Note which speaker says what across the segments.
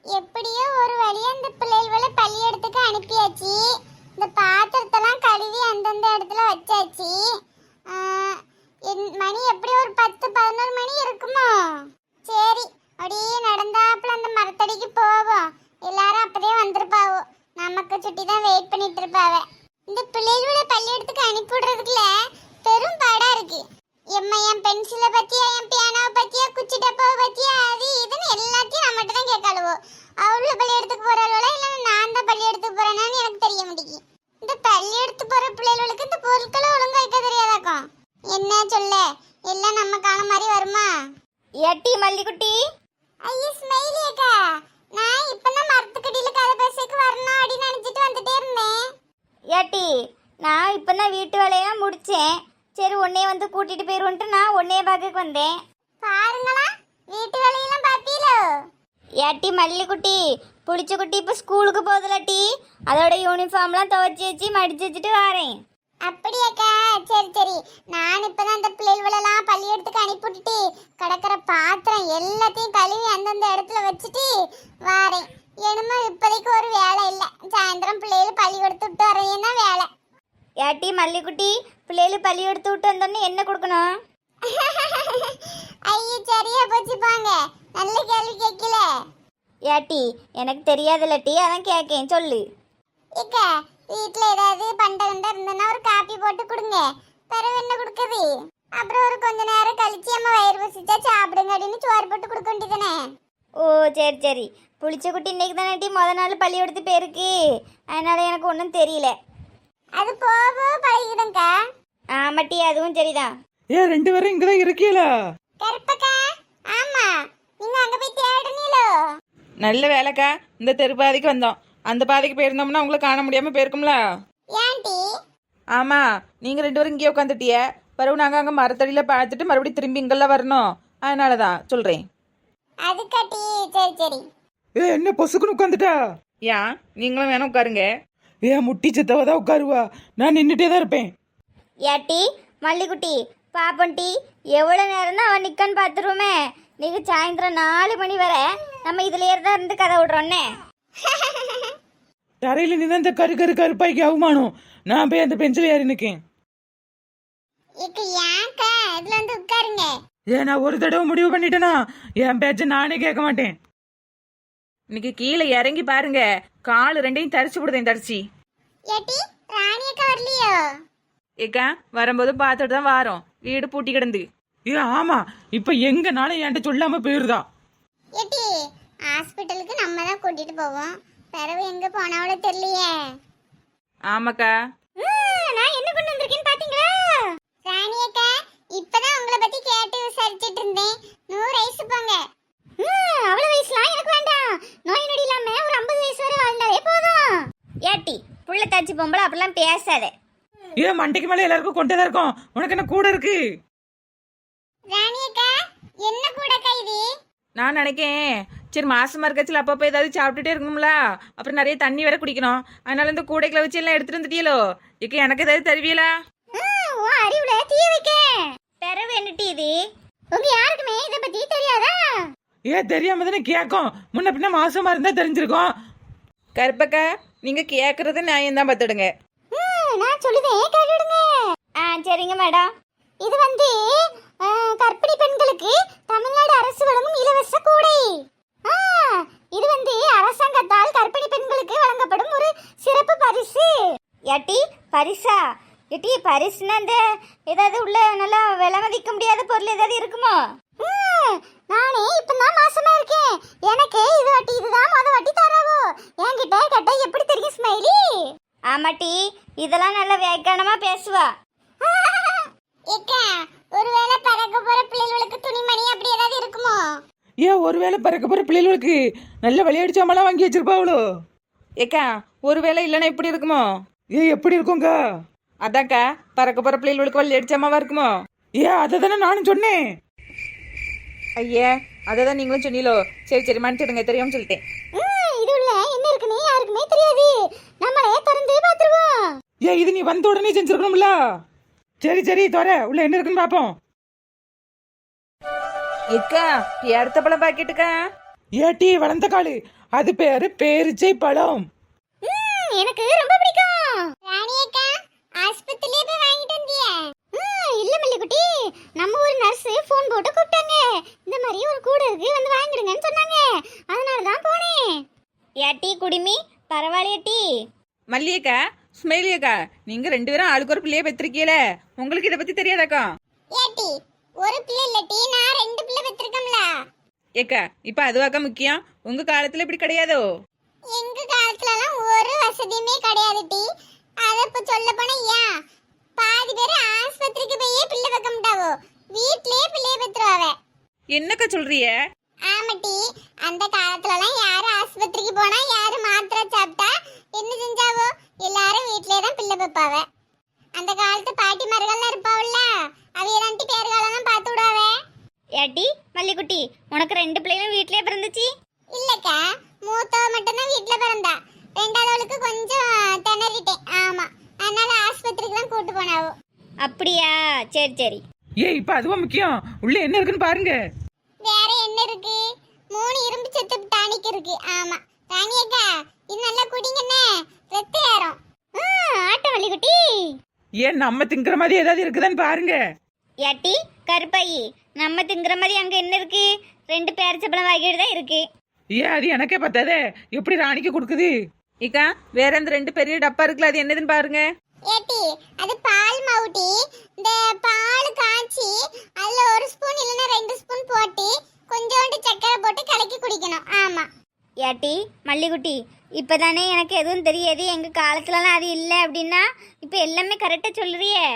Speaker 1: எப்படியோ ஒரு வழியா இந்த பிள்ளைகளை பள்ளியிடத்துக்கு அனுப்பியாச்சு. இந்த பாத்திரத்தெல்லாம் கழுவி அந்தந்த இடத்துல வச்சாச்சு. மணி எப்படி ஒரு 10-11 மணி இருக்குமோ? சரி, அப்படியே நடந்தாப்புல அந்த மரத்தடிக்கு போவோம். எல்லாரும் அப்பதே வந்திருப்பாவோ, நமக்கு சுட்டி தான் வெயிட் பண்ணிட்டு இருப்பாவ. இந்த பிள்ளைகளை பள்ளியிடத்துக்கு அனுப்பி விடுறதுக்குள்ள பெரும் பாடா இருக்கு. எம்மா, என் பென்சிலை பத்தியா, என் பியானோவை பத்தியா, குச்சி டப்பாவை பத்தியா, அது இதுன்னு எல்லாத்தையும் நம்மகிட்ட தான் கேட்காளுவோ. அவள பள்ளியிடத்துக்கு போறாளோல இல்ல நான் தான் பள்ளியிடத்துக்கு போறேனான்னு எனக்கு தெரிய மாட்டேங்குது. இந்த பள்ளியிடத்து போற பிள்ளைகளுக்கு இந்த பொருட்களை ஒழுங்கா வைக்க தெரியாதாக்கும். என்ன சொல்ல, எல்லாம் நம்ம காலம் மாதிரி வருமா?
Speaker 2: ஏட்டி மல்லிக்குட்டி.
Speaker 1: ஐயா ஸ்மைலி அக்கா, நான் இப்பதான் மரத்துக்கடியில கதை பேசக்கு வரணும் அப்படின்னு நினைச்சிட்டு வந்துட்டே இருந்தேன்.
Speaker 2: ஏட்டி, நான் இப்பதான் வீட்டு வேலையெல்லாம் முடிச்சேன். சரி, உன்னைய வந்து கூட்டிட்டு போயிருவோன்ட்டு நான் உன்னைய பார்க்க வந்தேன்.
Speaker 1: பாருங்களா, வீட்டு வேலையெல்லாம் பாப்பீங்களோ?
Speaker 2: ஏட்டி மல்லிக்குட்டி, புளிச்ச குட்டி இப்போ ஸ்கூலுக்கு போகுதுலட்டி, அதோட யூனிஃபார்ம்லாம் துவைச்சி வச்சு மடிச்சு வச்சுட்டு வரேன்.
Speaker 1: அப்படியாக்கா, சரி சரி. நான் இப்பதான் அந்த பிள்ளைகளெல்லாம் பள்ளியிடத்துக்கு அனுப்பிவிட்டுட்டு கிடக்கிற பாத்திரம் எல்லாத்தையும் கழுவி அந்தந்த இடத்துல வச்சுட்டு வாரேன். என்னமோ இப்போதைக்கு ஒரு வேலை இல்லை. சாயந்தரம் பிள்ளைகள் பள்ளி கொடுத்து விட்டு வரேன்னா வேலை.
Speaker 2: ஏட்டி மல்லிக்குட்டி, பிள்ளைகள் பள்ளி எடுத்து விட்டு வந்தோடனே என்ன கொடுக்கணும்?
Speaker 1: ஐயோ, சரியா போச்சுப்பாங்க. நல்ல கேள்வி கேட்கல.
Speaker 2: ஏட்டி, எனக்கு தெரியாதுல்லட்டி, அதான் கேட்கேன், சொல்லு.
Speaker 1: ஏக்கா, வீட்டில் ஏதாவது பண்டகண்டா இருந்ததுன்னா ஒரு காப்பி போட்டு கொடுங்க. பிறகு என்ன கொடுக்குது? அப்புறம் ஒரு கொஞ்ச நேரம் கழிச்சு அம்மா வயிறு பசிச்சா சாப்பிடுங்க அப்படின்னு சோறு போட்டு கொடுக்க வேண்டியதானே?
Speaker 2: ஓ சரி சரி. புளிச்ச குட்டி இன்னைக்கு தானே நாள் பள்ளி எடுத்து போயிருக்கு, அதனால எனக்கு ஒன்றும் தெரியல.
Speaker 1: அது போக பழகிடுங்கக்கா.
Speaker 2: ஆமாட்டி, அதுவும் சரிதான்.
Speaker 3: ஏன் 2 பேரும் இங்கதான் இருக்கீங்களா?
Speaker 1: கருப்பக்கா, ஆமா, நீங்க அங்க போய் தேடுனீங்களோ?
Speaker 3: நல்ல வேலைக்கா, இந்த தெரு பாதைக்கு வந்தோம். அந்த பாதைக்கு போயிருந்தோம்னா உங்களை காண முடியாம போயிருக்கும்ல.
Speaker 1: ஏன்டி?
Speaker 3: ஆமா, நீங்க 2 பேரும் இங்கே உட்காந்துட்டிய, பிறகு நாங்க அங்க மரத்தடியில பார்த்துட்டு மறுபடியும் திரும்பி இங்கெல்லாம் வரணும். அதனாலதான் சொல்றேன்.
Speaker 1: அதுக்காட்டி சரி சரி.
Speaker 3: என்ன பொசுக்குன்னு உட்காந்துட்டா? ஏன் நீங்களும் வேணும் உட்காருங்க. முட்டி சித்தவதான் உட்காருவா, நான் நின்றுட்டே தான் இருப்பேன்.
Speaker 2: ஏட்டி மல்லிக்குட்டி, பாப்பன்ட்டி, எவ்வளோ நேரம் தான் அவன் நிற்கான்னு பார்த்துருவோமே. நீங்க சாயந்தரம் 4 மணி வரை நம்ம இதுல தான் இருந்து கதை விடுறோன்னே.
Speaker 3: தரையில நின்று அந்த கருப்பாய்க்கு அவமானம். நான் போய் அந்த பெஞ்சில் ஏறி நிற்கேன்.
Speaker 1: இக்கு ஏன்க்கா இதுல வந்து உட்காருங்க.
Speaker 3: நான் ஒரு தடவை முடிவு பண்ணிட்டேனா என் பேச்ச நானே கேட்க மாட்டேன். இன்னைக்கு கீழே இறங்கி பாருங்க, கால் 2ஐயும் தரிச்சு விடுதேன். தரிச்சு
Speaker 1: ஏட்டி, ராணி அக்கா வரலையோ?
Speaker 3: ஏக்கா, வரும்போது பார்த்துட்டு தான் வாரோம். வீடு பூட்டி கிடந்து. ஆமா, இப்ப எங்கனாலும் என்கிட்ட சொல்லாம போயிருதா.
Speaker 1: ஏட்டி, ஹாஸ்பிட்டலுக்கு நம்ம தான் கூட்டிட்டு போவோம். பிறகு எங்க போனாவளோ தெரியலையே.
Speaker 3: ஆமாக்கா,
Speaker 1: நான் என்ன கொண்டு வந்திருக்கேன்னு பாத்தீங்களா? ராணி அக்கா, இப்பதான் உங்களை பத்தி கேட்டு விசாரிச்சிட்டு இருந்தேன். 100 வயசு போங்க.
Speaker 2: அவ்வளவு வயசுலாம் எனக்கு வேண்டாம். நோய் நொடி இல்லாம ஒரு 50 வயசு வரை வாழ்ந்தாலே போதும். ஏட்டி, புள்ள தச்சு பொம்பளை அப்படிலாம் பேசாத.
Speaker 3: மண்டைக்கு மேல எல்லாருக்கும் கொண்டே தான் இருக்கும், உனக்கு என்ன கூட இருக்கு?
Speaker 1: ராணி அக்கா, என்ன கூட இது?
Speaker 3: நான் நினைக்கேன், சரி மாசமா இருக்கச்சுல அப்பப்போ ஏதாவது சாப்பிட்டுட்டே இருக்கணும்ல, அப்புறம் நிறைய தண்ணி வேற குடிக்கணும். அதனால இந்த கூடைகளை வச்சு எல்லாம் எடுத்துட்டு வந்துட்டீங்களோ. இக்க எனக்கு ஏதாவது தருவீங்களா?
Speaker 2: அறிவுல தீ வைக்க பிறவு என்னட்டி இது? உங்க யாருக்குமே இதை பத்தி தெரியாதா?
Speaker 3: தெரியாம தானே கேட்கும். முன்ன பின்ன மாசமா இருந்தா தெரிஞ்சிருக்கும். கருப்பக்கா, நீங்க கேக்குறத நியாயம் தான் பார்த்துடுங்க.
Speaker 2: நான் சொல்லுவேன், கேட்டுடுங்க. சரிங்க மேடம். இது வந்து கர்ப்பிணி பெண்களுக்கு தமிழ்நாடு அரசு வழங்கும் இலவச கூடை. இது வந்து அரசாங்கத்தால் கர்ப்பிணி பெண்களுக்கு வழங்கப்படும் ஒரு சிறப்பு பரிசு. ஏட்டி பரிசா? ஏட்டி பரிசுனா அந்த ஏதாவது உள்ள நல்லா விலை மதிக்க முடியாத பொருள் ஏதாவது இருக்குமோ? நானே இப்பதான் மாசமா இருக்கேன். எனக்கு இது வாட்டி இதுதான் முத வாட்டி தராவோ. என்கிட்ட கேட்டா எப்படி தெரியும் ஸ்மைலி? ஆமாட்டி, இதெல்லாம் நல்ல வியாக்கியானமா பேசுவா.
Speaker 1: ஏக்கா, ஒருவேளை பறக்க போற பிள்ளைகளுக்கு துணிமணி அப்படி ஏதாவது இருக்குமோ?
Speaker 3: ஒருவேளை பறக்க போற பிள்ளைகளுக்கு நல்ல விளையாடிச்சாமலாம் வாங்கி வச்சிருப்பாவளோ. ஏக்கா, ஒருவேளை இல்லைன்னா எப்படி இருக்குமோ? எப்படி இருக்குங்க? அதாக்கா, பறக்க போற பிள்ளைகளுக்கு விளையாடிச்சாமாவா இருக்குமோ? அதை தானே நானும் சொன்னேன். ஐயா, அதை தான் நீங்களும் சொன்னீங்களோ. சரி சரி, மன்னிச்சிடுங்க, தெரியாம சொல்லிட்டேன்.
Speaker 2: இது உள்ள என்ன இருக்குன்னு யாருக்குமே தெரியாது. நம்மளே திறந்து பாத்துருவோம்.
Speaker 3: இது நீ வந்த உடனே செஞ்சிருக்கணும்ல. சரி சரி, தோற உள்ள என்ன இருக்குன்னு பாப்போம். ஏக்கா, அடுத்த பழம் பாக்கெட்டுக்கா. ஏட்டி வளர்ந்த காலு, அது பேரு பேரிச்சை பழம்.
Speaker 2: எனக்கு ரொம்ப பிடிக்கும்.
Speaker 1: ராணி அக்கா ஆஸ்பத்திரியிலே போய் வாங்கிட்டு வந்தியே?
Speaker 2: இல்ல மல்லிக்குட்டி, நம்ம ஒரு நர்ஸ் ஃபோன் போட்டு கூப்பிட்டாங்க. இந்த மாதிரி ஒரு கூடை இருக்கு, வந்து வாங்கிடுங்கன்னு சொன்னாங்க. அதனால தான் போனேன். ஏட்டி குடிமி, பரவாயில்லையா டீ?
Speaker 3: மல்லியக்கா, ஸ்மெயிலியக்கா, நீங்க 2 பேரும் ஆளுக்கு ஒரு பிள்ளைய பெற்றிருக்கீல, உங்களுக்கு இதை பத்தி தெரியாதாக்கா?
Speaker 1: ஏட்டி ஒரு பிள்ளை இல்லட்டி, நான் 2 பிள்ளை பெற்றிருக்கோம்ல.
Speaker 3: ஏக்கா, இப்ப அதுவாக்கா முக்கியம்? உங்க காலத்துல இப்படி கிடையாதோ?
Speaker 1: எங்க காலத்துலலாம் ஒரு வசதியுமே கிடையாது டி. அத இப்ப சொல்ல போனா ஏன் பாதி பேர் ஆஸ்பத்திரிக்கு போயே பிள்ளை வைக்க மாட்டாவோ, வீட்லயே பிள்ளைய பெற்றுவாவே.
Speaker 3: என்னக்கா சொல்றிய?
Speaker 1: ஆமா டி, அந்த காலத்துலலாம் யாரு ஆஸ்பத்திரிக்கு போனா, யாரு மாத்திரை சாப்பிட்டா என்ன செஞ்சாவோ, எல்லாரும் வீட்லயே தான் பிள்ளை பெப்பாவே. அந்த காலத்து பாட்டிமார்கள்லாம் இருப்பாவல்ல, அவையெல்லாம் பேர்களெல்லாம் பார்த்து விடாவே.
Speaker 2: ஏட்டி மல்லிக்குட்டி, உனக்கு 2 பிள்ளைகளும் வீட்லயே பிறந்துச்சு?
Speaker 1: இல்லக்கா, மூத்தவ மட்டும்தான் வீட்ல பிறந்தா. ரெண்டாவதுக்கு கொஞ்சம் திணறிட்டேன். ஆமா, அதனால ஆஸ்பத்திரிக்கு தான் கூட்டு போனாவோ.
Speaker 2: அப்படியா, சரி சரி.
Speaker 3: இப்ப அதுவா முக்கியம்? உள்ள என்ன இருக்குன்னு பாருங்க.
Speaker 1: வேற என்ன இருக்கு? 3 இரும்பு சத்து டானிக் இருக்கு. ஆமா ராணி அக்கா, இது நல்லா குடிங்கண்ணே, ரத்த ஏறும்.
Speaker 2: ஆட்ட மல்லிக்குட்டி.
Speaker 3: ஏன் நம்ம திங்கிற மாதிரி ஏதாவது இருக்குதான்னு பாருங்க.
Speaker 2: ஏட்டி கருப்பாயி, நம்ம திங்குற மாதிரி அங்க என்ன இருக்கு? 2 பேரிச்சப்பழம் வாங்கிட்டு தான் இருக்கு.
Speaker 3: அது எனக்கே பத்தாதே, எப்படி ராணிக்கு கொடுக்குது? இக்கா, வேற இந்த 2 பெரிய டப்பா இருக்குல்ல, அது என்னதுன்னு பாருங்க.
Speaker 1: ஏட்டி அது பால் மவுட்டி. இந்த பால் காய்ச்சி அதுல 1 ஸ்பூன் இல்லைன்னா 2 ஸ்பூன் போட்டு கொஞ்சோண்டு சக்கரை போட்டு கலக்கி குடிக்கணும். ஆமா
Speaker 2: ஏட்டி மல்லிக்குட்டி, இப்பதானே எனக்கு எதுவும் தெரியாது. எங்க காலத்துலலாம் அது இல்லை அப்படின்னா இப்போ எல்லாமே கரெக்டா சொல்றியே.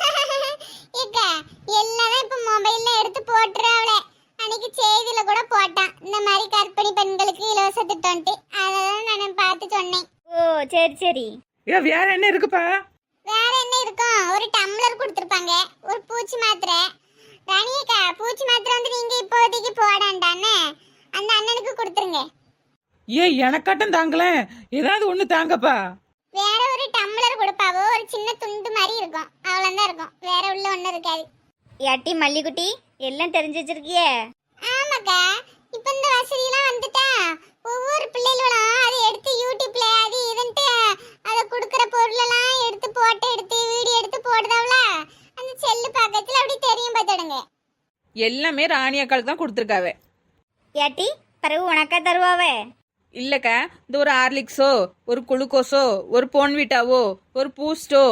Speaker 1: ஏக்கா எல்லாம் இப்ப மொபைல்ல எடுத்து போட்டுறாவளே. அன்னைக்கு செய்தியில கூட போட்டான், இந்த மாதிரி கர்ப்பிணி பெண்களுக்கு இலவச திட்டம்ட்டு. அதான் நான் பார்த்து சொன்னேன்.
Speaker 2: ஓ சரி சரி.
Speaker 3: வேற என்ன இருக்குப்பா?
Speaker 1: வேற என்ன இருக்கும்? ஒரு டம்ளர் கொடுத்துருப்பாங்க, ஒரு பூச்சி மாத்திரை. ராணியக்கா, பூச்சி மாத்திரை வந்து நீங்க இப்போதைக்கு போடாண்டானே, அந்த அண்ணனுக்கு கொடுத்துருங்க.
Speaker 3: எனக்காட்டம் தாங்களேன், ஏதாவது ஒண்ணு தாங்கப்பா.
Speaker 1: வேற ஒரு டம்ளர் கொடுப்பாவோ, ஒரு சின்ன துண்டு மாதிரி இருக்கும், அவ்வளவுதான் இருக்கும், வேற உள்ள ஒண்ணு இருக்காது.
Speaker 2: ஏட்டி மல்லிக்குட்டி, எல்லாம் தெரிஞ்சு வச்சிருக்கியே?
Speaker 1: ஆமாக்கா, இப்ப இந்த வசதியெல்லாம் வந்துட்டா ஒவ்வொரு பிள்ளைகளும் அதை எடுத்து யூடியூப்ல அது இதுன்ட்டு அதை கொடுக்குற பொருளெல்லாம் எடுத்து போட்டு எடுத்து வீடியோ எடுத்து போடுதாவல, அந்த செல்லு பக்கத்துல அப்படி தெரியும் பார்த்துடுங்க.
Speaker 3: எல்லாமே ராணி அக்காளுக்கு தான் கொடுத்துருக்காவே.
Speaker 2: ஏட்டி பிறகு உனக்கா தருவாவே?
Speaker 3: இல்லக்கா, இந்த ஒரு ஹார்லிக்ஸோ, ஒரு குளுக்கோஸோ, ஒரு போன்விட்டாவோ, ஒரு பூஸ்டோ.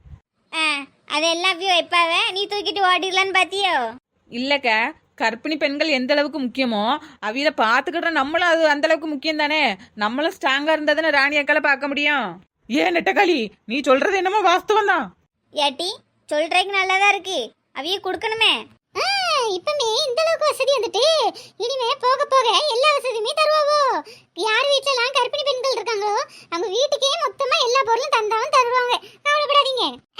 Speaker 2: அதெல்லாம் வைப்பாவே, நீ தூக்கிட்டு ஓடிடலான்னு பாத்தியோ?
Speaker 3: இல்லக்கா, கர்ப்பிணி பெண்கள் எந்த அளவுக்கு முக்கியமோ அவியில பாத்துக்கிட்ட நம்மளும் அது அந்த அளவுக்கு முக்கியம் தானே. நம்மளும் ஸ்ட்ராங்கா இருந்தா தானே ராணி அக்கால பார்க்க முடியும். நெட்டக்காளி, நீ சொல்றது என்னமோ வாஸ்தவம் தான்.
Speaker 2: ஏட்டி சொல்றதுக்கு நல்லாதான் இருக்கு, அவைய கொடுக்கணுமே. இப்பமே இந்த அளவுக்கு வசதி வந்துட்டு இனிமே போக போக எல்லா வசதியுமே தருவாவோ. யார் வீட்டுலாம் கர்ப்பிணி பெண்கள் இருக்காங்களோ அவங்க வீட்டுக்கே மொத்தமா எல்லா பொருளும் தந்தாலும் தருவாங்க, கவலைப்படாதீங்க.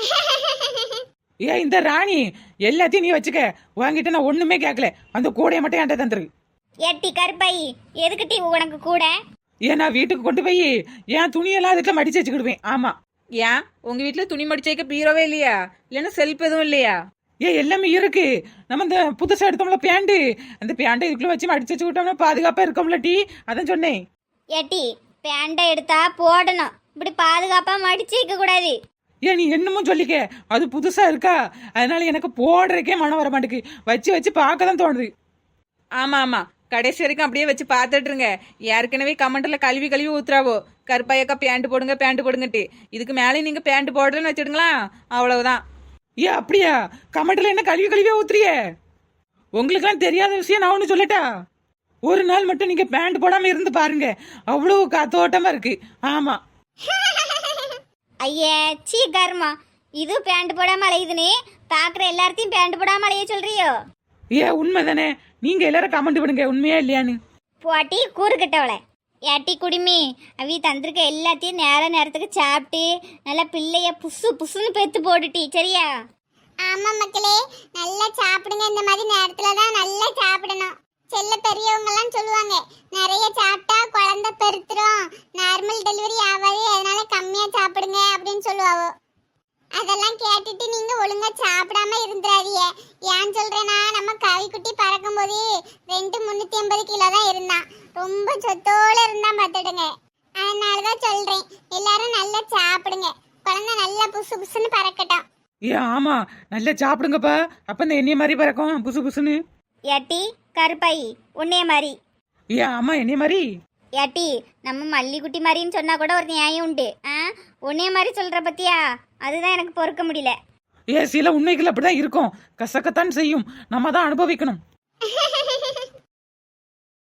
Speaker 3: இந்த ராணி எல்லாத்தையும் நீ வச்சுக்க, வாங்கிட்டு நான் ஒண்ணுமே கேட்கல, அந்த கூடைய மட்டும் என்கிட்ட தந்துரு.
Speaker 2: ஏட்டி கருப்பாயி, எதுக்கிட்டி உனக்கு கூட?
Speaker 3: நான் வீட்டுக்கு கொண்டு போய் என் துணியெல்லாம் அதுக்கு மடிச்சு வச்சுக்கிடுவேன். ஆமா, ஏன் உங்க வீட்டுல துணி மடிச்சு வைக்க பீரோவே இல்லையா? இல்லைன்னா செல்ஃப் எதுவும் இல்லையா? எல்லாமே இருக்கு. நம்ம இந்த புதுசா எடுத்தோம்ல பேண்டு, அந்த பேண்டை இதுக்குள்ள வச்சு மடிச்சு வச்சு விட்டோம்னா பாதுகாப்பா இருக்கோம்ல டீ, அதான் சொன்னேன்.
Speaker 2: ஏட்டி பேண்டை எடுத்தா போடணும், இப்படி பாதுகாப்பா மடிச்சு வைக்க கூடாது.
Speaker 3: நீ என்னமோ சொல்லிக்க, அது புதுசா இருக்கா, அதனால எனக்கு போடுறதுக்கே மனம் வர மாட்டேக்கு, வச்சு வச்சு பார்க்க தான் தோணுது. ஆமா ஆமா, கடைசி வரைக்கும் அப்படியே வச்சு பார்த்துட்டு இருங்க. ஏற்கனவே கமெண்ட்ல கழுவி கழுவி ஊத்துறாவோ, கருப்பாயக்கா பேண்ட் போடுங்க பேண்ட் போடுங்கட்டு. இதுக்கு மேலே நீங்க பேண்ட் போடலன்னு வச்சுடுங்களா, அவ்வளவுதான். அப்படியா? கமெண்ட்ல என்ன கழுவி கழுவியா ஊத்துறிய? உங்களுக்குலாம் தெரியாத விஷயம் நான் ஒண்ணு சொல்லட்டா? ஒரு நாள் மட்டும் நீங்க பேண்ட் போடாம இருந்து பாருங்க, அவ்வளவு காத்தோட்டமா இருக்கு. ஆமா.
Speaker 2: ஐயே சீ கர்மா, இது பேண்ட் போடாம அலையுதுன்னு பாக்குற எல்லாத்தையும் பேண்ட் போடாம அலைய சொல்றியோ?
Speaker 3: உண்மைதானே, நீங்க எல்லாரும் கமெண்ட் பண்ணுங்க, உண்மையா இல்லையான்னு.
Speaker 2: போட்டி கூறு கட்டவளை. ஏட்டி குடிமி, அவி தந்திருக்க எல்லாத்தையும் நேரத்துக்கு சாப்பிட்டு நல்லா பிள்ளைய புசு புசுன்னு பெத்து போட்டுட்டி, சரியா?
Speaker 1: ஆமா மக்களே, நல்லா சாப்பிடுங்க. இந்த மாதிரி நேரத்துல தான் நல்லா சாப்பிடணும். செல்ல பெரியவங்க எல்லாம் சொல்லுவாங்க, நிறைய சாப்பிட்டா குழந்தை பெருத்துரும், நார்மல் டெலிவரி ஆகாது, அதனால கம்மியா சாப்பிடுங்க அப்படின்னு சொல்லுவாவோ. அதெல்லாம் கேட்டுட்டு நீங்க ஒழுங்கா சாப்பிடாம இருந்துறாதீங்க. ஏன் சொல்றேன்னா, நம்ம கவிக்குட்டி பறக்கும் போது 350 கிலோ தான் இருந்தான். ரொம்ப சொத்தோட இருந்தா பார்த்துடுங்க. அதனாலதான் சொல்றேன், எல்லாரும் நல்லா சாப்பிடுங்க. குழந்தை நல்லா புசு புசுன்னு பறக்கட்டும்.
Speaker 3: ஏ ஆமா, நல்லா சாப்பிடுங்கப்பா. அப்ப இந்த எண்ணெய் மாதிரி பறக்கும் புசு புசுன்னு.
Speaker 2: ஏட்டி கருப்பாயி உன்னைய மாதிரி.
Speaker 3: ஏ ஆமா, எண்ணெய் மாதிரி.
Speaker 2: ஏட்டி நம்ம மல்லிக்குட்டி மாதிரின்னு சொன்னா கூட ஒரு நியாயம் உண்டு. உன்னைய மாதிரி சொல்ற பத்தியா, அதுதான் எனக்கு பொறுக்க முடியல.
Speaker 3: ஏ சில உண்மைகள் அப்படிதான் இருக்கும், கசக்கத்தான் செய்யும், நம்ம தான் அனுபவிக்கணும்.